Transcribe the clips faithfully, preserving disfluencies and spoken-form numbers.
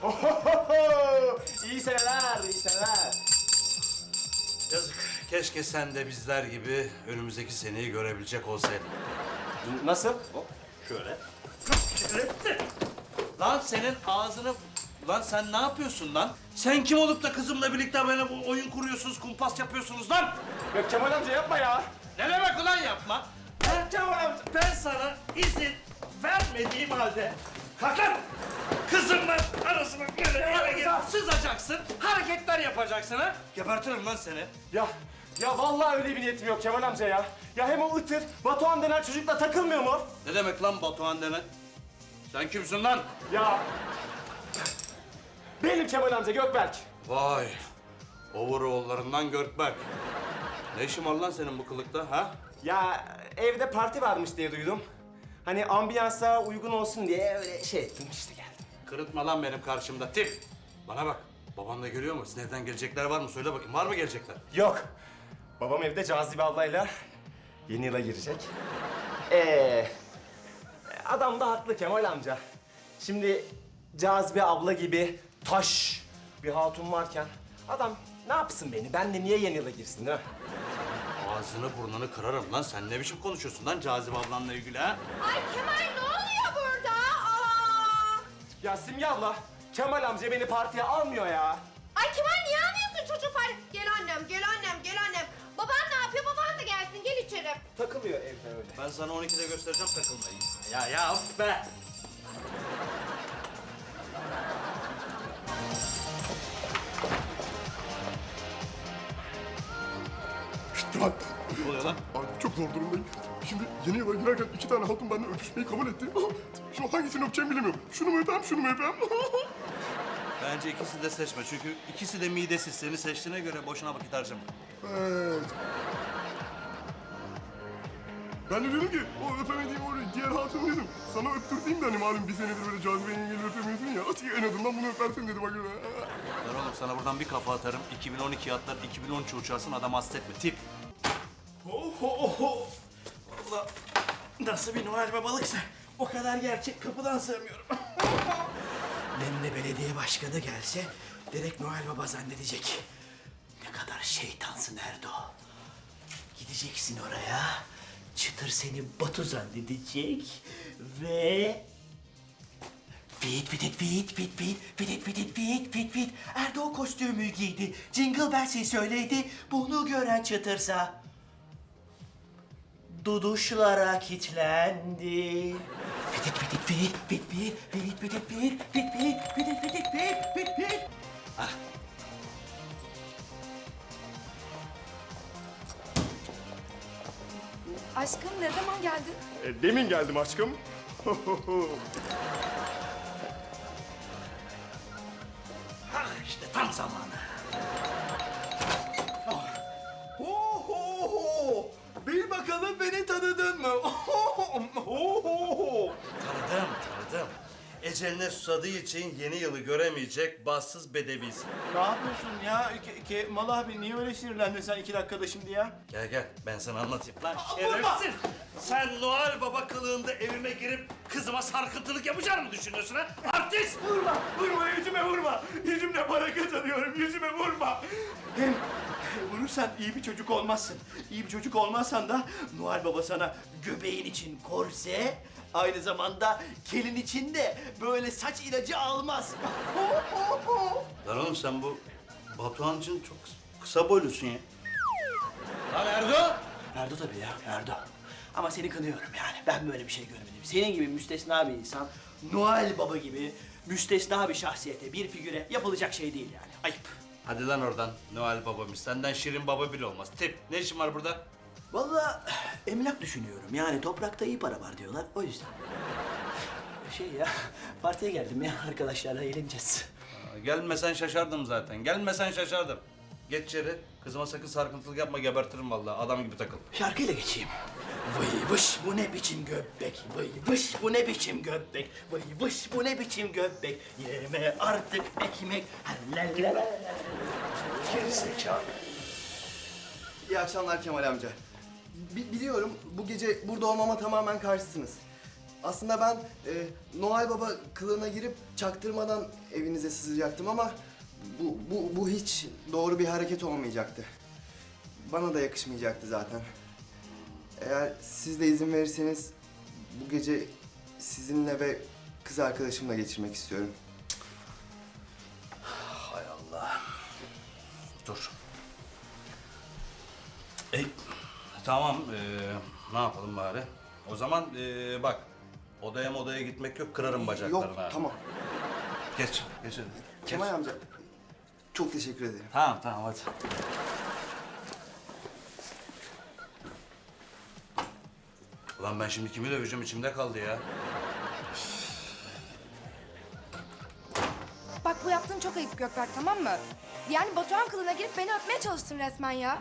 İyi seneler, iyi seneler. Yazık. Keşke sen de bizler gibi önümüzdeki seneyi görebilecek olsaydın. Nasıl? Şöyle. Lan senin ağzını... Lan sen ne yapıyorsun lan? Sen kim olup da kızımla birlikte böyle bu oyun kuruyorsunuz, kumpas yapıyorsunuz lan? Ya Kemal amca yapma ya. Ne demek ulan yapma? Ben Kemal amca, ben sana izin vermediğim halde... Kalk lan! Kızımla arasına böyle yere gelip sızacaksın, hareketler yapacaksın ha? Gebertirim lan seni. Ya, ya vallahi öyle bir niyetim yok Kemal amca ya. Ya hem o Itır, Batuhan denen çocukla takılmıyor mu? Ne demek lan Batuhan denen? Sen kimsin lan? Ya... Benim Kemal amca Gökberk. Vay, overall'larından Gökberk. Ne işin var lan senin bu kılıkta ha? Ya evde parti varmış diye duydum. Hani ambiyansa uygun olsun diye öyle şey ettim işte geldim. Kırıtma lan benim karşımda tip. Bana bak, baban da görüyor mu? Sizin evden gelecekler var mı? Söyle bakayım, var mı gelecekler? Yok. Babam evde Cazibe ablayla yeni yıla girecek. Ee, adam da haklı Kemal amca. Şimdi Cazibe abla gibi taş bir hatun varken adam ne yapsın beni? Ben de niye yeni yıla girsin değil mi? Ağzını burnunu kırarım lan. Sen ne biçim konuşuyorsun lan Cazibe ablanla ilgili ha? Ay Kemal ne oluyor burada? Aa! Ya Simge abla, Kemal amca beni partiye almıyor ya. Ay Kemal niye almıyorsun çocuğu parti? Gel annem, gel annem, gel annem. Baban ne yapıyor? Baban da gelsin, gel içeri. Takılıyor evde öyle. Ben sana on ikide göstereceğim takılmayı. Ya ya of be! Kemal, Ne oluyor lan? abi çok zor durumdayım. Şimdi yeni yıla girerken iki tane hatun benimle öpüşmeyi kabul etti. Şimdi hangisini öpeceğimi bilemiyorum. Şunu mu öpeyim, şunu mu öpeyim? Bence ikisi de seçme. Çünkü ikisi de midesiz. Seni seçtiğine göre boşuna vakit harcama. Evet. Ben de dedim ki, o öpemediğim o diğer hatunu dedim. Sana öptürteyim de hani malum bir senedir böyle Cazibe yengeyle öpemiyorsun ya. En azından bunu öpersin dedi bak öyle. Ben oğlum sana buradan bir kafa atarım. iki bin on iki atlar, iki bin on üç uçarsın. Adam hasretme. Tip. Oho oho. Valla nasıl bir Noel babalıksa o kadar gerçek kapıdan sığmıyorum. Demle belediye başkanı gelse direkt Noel Baba zannedecek. Ne kadar şeytansın Erdo. Gideceksin oraya, çıtır seni Batu zannedecek ve... Bit bit bit bit bit bit bit bit bit bit. Erdo kostümü giydi. Jingle Bells'i söyledi. Bunu gören çıtırsa duduşlara kilitlendi. Bit bit bit bit bit bit bit bit bit bit bit bit bit bit bit bit. Ah. Aşkım ne zaman geldin? E, demin geldim aşkım. Ah işte tam zamanı. Oho! Bil bakalım beni tanıdın mı? Oho! Tanıdım, tanıdım. Eceline susadığı için yeni yılı göremeyecek bassız bedevisin. Ne yapıyorsun ya? Ke Kemal abi niye öyle sinirlendin sen iki dakikada şimdi ya? Gel gel, ben sana anlatayım. Lan şerefsiz! Sen Noel Baba kılığında evime girip kızıma sarkıntılık yapacağını mı düşünüyorsun ha? Artist! Vurma! Vurma yüzüme vurma! Yüzümle para kazanıyorum, yüzüme vurma! Hem vurursan iyi bir çocuk olmazsın. İyi bir çocuk olmazsan da Noel Baba sana göbeğin için korse, aynı zamanda kelin için de böyle saç ilacı almaz. Lan oğlum sen bu Batuhan için çok kısa boylusun ya. Lan Erdo! Erdo tabii ya, Erdo. Ama seni kınıyorum yani. Ben böyle bir şey görmedim. Senin gibi müstesna bir insan, Noel Baba gibi müstesna bir şahsiyete, bir figüre yapılacak şey değil yani. Ayıp. Hadi lan oradan Noel Baba'mış. Senden Şirin Baba bile olmaz. Tip, ne işin var burada? Vallahi emlak düşünüyorum. Yani toprakta iyi para var diyorlar. O yüzden. Şey ya, partiye geldim ya. Arkadaşlarla eğleneceğiz. Aa, gelmesen şaşardım zaten. Gelmesen şaşardım. Geç içeri. Kızıma sakın sarkıntılık yapma, gebertirim vallahi. Adam gibi takıl. Şarkıyla geçeyim. Vıy vış bu ne biçim göbek, vıy vış bu ne biçim göbek, vıy vış bu ne biçim göbek, yeme artık ekmek, hallala. Gerizekalı. İyi akşamlar Kemal amca. Bi- biliyorum bu gece burada olmama tamamen karşısınız. Aslında ben e, Noel Baba kılığına girip çaktırmadan evinize sızacaktım ama bu, bu, bu hiç doğru bir hareket olmayacaktı. Bana da yakışmayacaktı zaten. Eğer siz de izin verirseniz bu gece sizinle ve kız arkadaşımla geçirmek istiyorum. Hay Allah. Dur. E, tamam, ee, ne yapalım bari? O zaman ee, bak, odaya modaya gitmek yok, kırarım bacaklarını. Yok, ha. tamam. Geç, geç hadi. Geç. Kemal amca, çok teşekkür ederim. Tamam, tamam hadi. Ulan ben şimdi kimi döveceğim, içimde kaldı ya. Bak bu yaptığın çok ayıp Gökberk, tamam mı? Yani Batuhan kılığına girip beni öpmeye çalıştın resmen ya.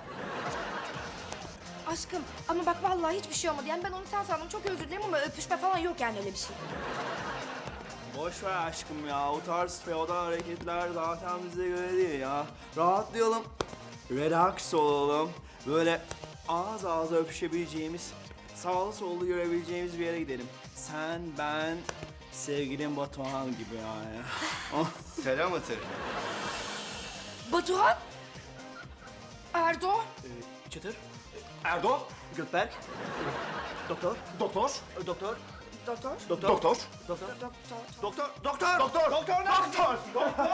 Aşkım ama bak vallahi hiçbir şey olmadı. Yani ben onu sen sandım, çok özür dilerim ama öpüşme falan yok yani öyle bir şey. Boş ver aşkım ya. O tarz feodal hareketler zaten bize göre değil ya. Rahatlayalım. Relax olalım. Böyle ağız ağza öpüşebileceğimiz, sağlı sollu görebileceğimiz bir yere gidelim. Sen, ben, sevgilim Batuhan gibi yani. Oh. Selam Atır. Batuhan? Erdo? Ee, Çıtır. Erdo. Gökberk. Doktor. Doktor. Doktor. Doktor? Doktor. Doktor. Doktor. Doktor. Doktor. Doktor. Doktor. Doktor. Doktor.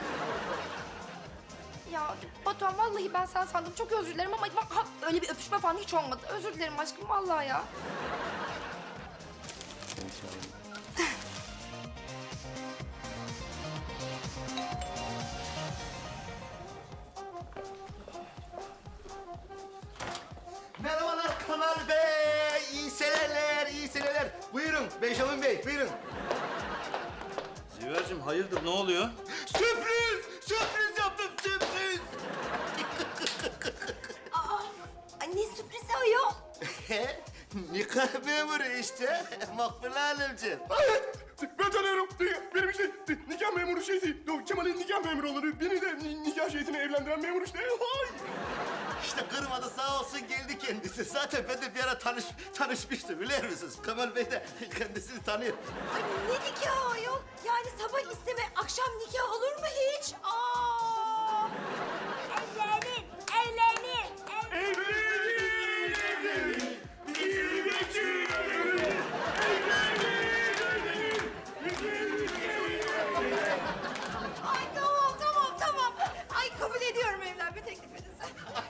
Ya Batuhan vallahi ben sen sandım, çok özür dilerim ama bak ha, öyle bir öpüşme falan hiç olmadı. Özür dilerim aşkım vallahi ya. Merhabalar Kemal Bey. İyi seneler, iyi seneler. Buyurun Benjamin Bey, buyurun. Ziver'cim hayırdır, ne oluyor? Sürpriz! Sürpriz yaptım, sürpriz! Ay ne sürprizi ayol. Nikah memuru işte, Makbule Hanımcığım. Evet, ben tanıyorum. Benim işte nikah memuru şeysi. O Kemal'in nikah memuru olur. Beni de ni- nikah şeysine evlendiren memur işte. Hay! İşte kırmadı sağ olsun geldi kendisi. Zaten ben de bir ara tanış, tanışmıştım biliyor musunuz? Kemal Bey de kendisini tanıyor. Ay ne nikahı ayol? Yani sabah isteme, akşam nikah olur mu hiç? Aa! Evlenin, evlenin, Ay tamam, tamam, tamam. Ay kabul ediyorum evlenme teklifinizi.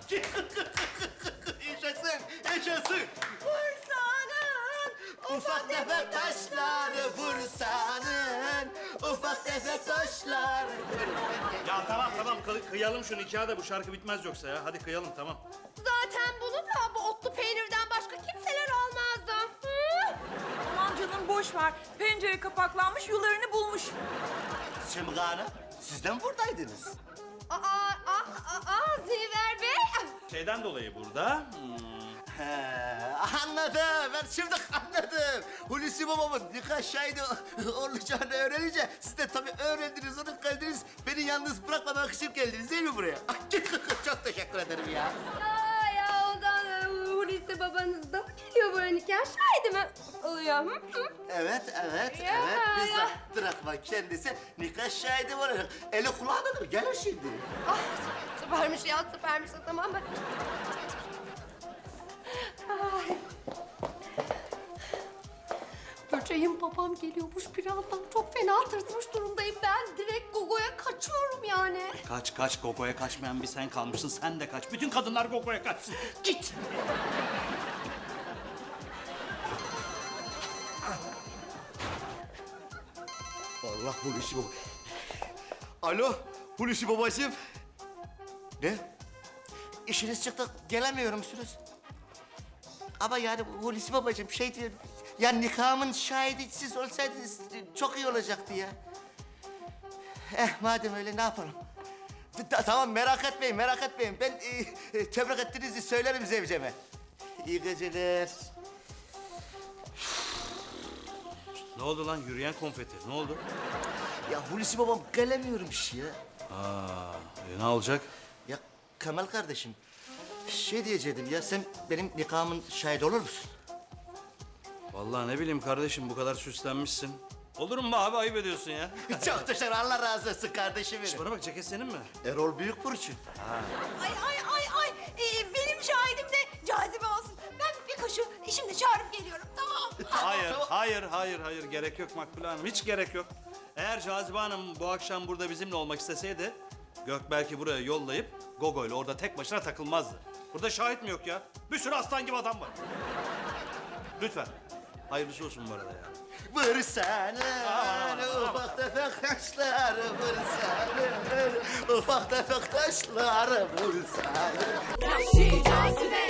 Yaşasın, yaşasın. Bursa'nın Ufak tefek taşları Bursa'nın. Ufak tefek taşları. Ya tamam tamam, kı- kıyalım şu nikahı da bu şarkı bitmez yoksa ya. Hadi kıyalım, tamam. Zaten bunu da bu otlu peynirden başka kimseler almazdı. Hı? Aman canım boş ver. Pencere kapaklanmış, yularını bulmuş. Simge Hanım, siz de mi buradaydınız? Aa, aa, aa, aa, Ziver Bey. Şeyden dolayı burada. hmm, He, anladım. Ben şimdi anladım. Hulusi babamın nikah şahidi olacağını öğrenince siz de tabii öğrendiniz, onu geldiniz. Beni yalnız bırakmamak için geldiniz değil mi buraya? Çok teşekkür ederim ya. Aa, ya ondan e, Hulusi babanız da mı geliyor buraya nikah şahidi mi oluyor? Hı? Hı? Evet, evet, Ya, evet. Biz ya. de bırakma kendisi nikah şahidi olarak. Eli kulağındadır, gelir şimdi. Ah, süpermiş ya, süpermiş. Tamam mı? Ay. Böceğim babam geliyormuş birazdan. Çok fena tırsmış durumdayım. Ben direkt Gogo'ya kaçıyorum yani. Kaç kaç, Gogo'ya kaçmayan bir sen kalmışsın. Sen de kaç. Bütün kadınlar Gogo'ya kaçsın. Git. Allah Hulusi baba. Alo, Hulusi babacığım. Ne? İşiniz çıktı, gelemiyor musunuz? Ama yani Hulusi babacığım şey diyor... Ya nikahımın şahidi siz olsaydınız çok iyi olacaktı ya. Eh madem öyle ne yapalım? Ta- tamam merak etmeyin, merak etmeyin. Ben e, e, tebrik ettiğinizi söylerim zevceme. İyi geceler. Ne oldu lan, yürüyen konfeti? Ne oldu? Ya Hulusi babam gelemiyormuş ya. Aa, e, ne olacak? Ya Kemal kardeşim, şey diyecektim ya sen benim nikahımın şahidi olur musun? Vallahi ne bileyim kardeşim bu kadar süslenmişsin. Olur mu abi ayıp ediyorsun ya. Çok teşekkür, Allah razı olsun kardeşim benim. Bana bak ceket senin mi? Erol Büyükburç'un. Ay ay ay ay. Ee, benim şahidim de Cazibe olsun. Ben bir koşu şimdi çağırıp geliyorum, tamam mı? Hayır, hayır, hayır, hayır. Gerek yok Makbule Hanım. Hiç gerek yok. Eğer Cazibe Hanım bu akşam burada bizimle olmak isteseydi... ...Gök belki buraya yollayıp Gogo'yla orada tek başına takılmazdı. Burada şahit mi yok ya? Bir sürü aslan gibi adam var. Lütfen. Hayırlısı olsun bu arada ya. Vursana ufak tefek taşlar, vursana ufak tefek taşlar, vursana. Vahşi cazibe.